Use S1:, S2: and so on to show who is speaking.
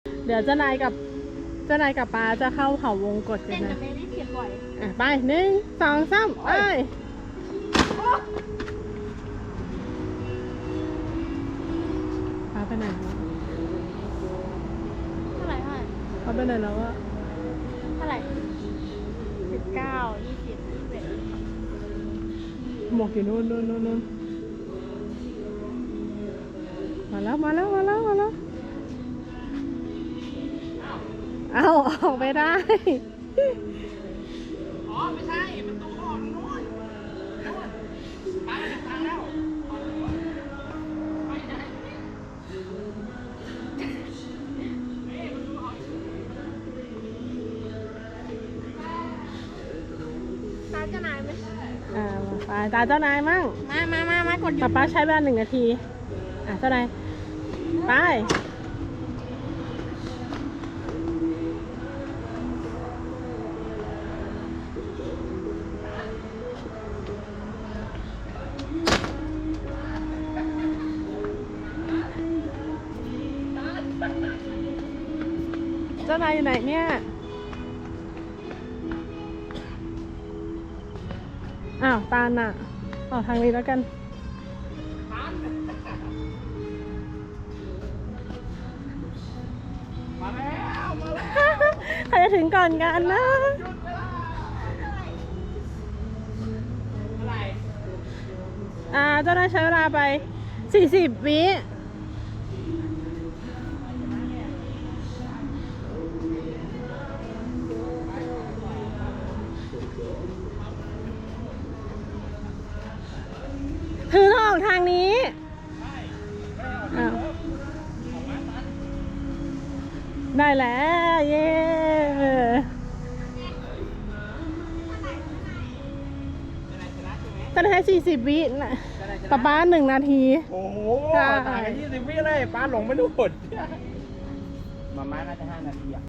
S1: เดี๋ยวเจ้านายกับป้าจะเข้าเขาวงกตกัน
S2: เต้นกั
S1: นะ
S2: บเมลี่เสียบ่อย
S1: ไป1 2 3ไปป้าไปไหนแล้ว
S2: เท่าไหร่
S1: ป้าไปไหนแล้วอะ
S2: เท่าไหร่19 20 21
S1: หมวกอยู่นู่นมาแล้วเอาออกไม่ได้
S3: อ๋อไม่ใช่ประตูออกนู่นไปทางแล้วไปไหน
S2: ตาเจ้านายไหม
S1: ไปตาเจ้านายมั่ง
S2: มากดหยุด
S1: ป้าใช้เวลา1 นาทีเจ้านายไปเจ้านายอยู่ไหนเนี่ยตาลน่ะออกทางนี้แล้วกัน
S3: มาแล้ว
S1: ใครจะถึงก่อนกันนะ
S3: อะไร
S1: เจ้านายใช้เวลาไป40 วิคือต้องออกทางนี้ได้แล้วเย้ตอนนี้ให้40 วินะป้า1 นาที
S3: โอ้โห
S1: ใช่
S3: ถ่ายกัน20 วิเลยป้าหลงไม่รู้ผลมาม่าน่าจะ5 นาทีอ่ะ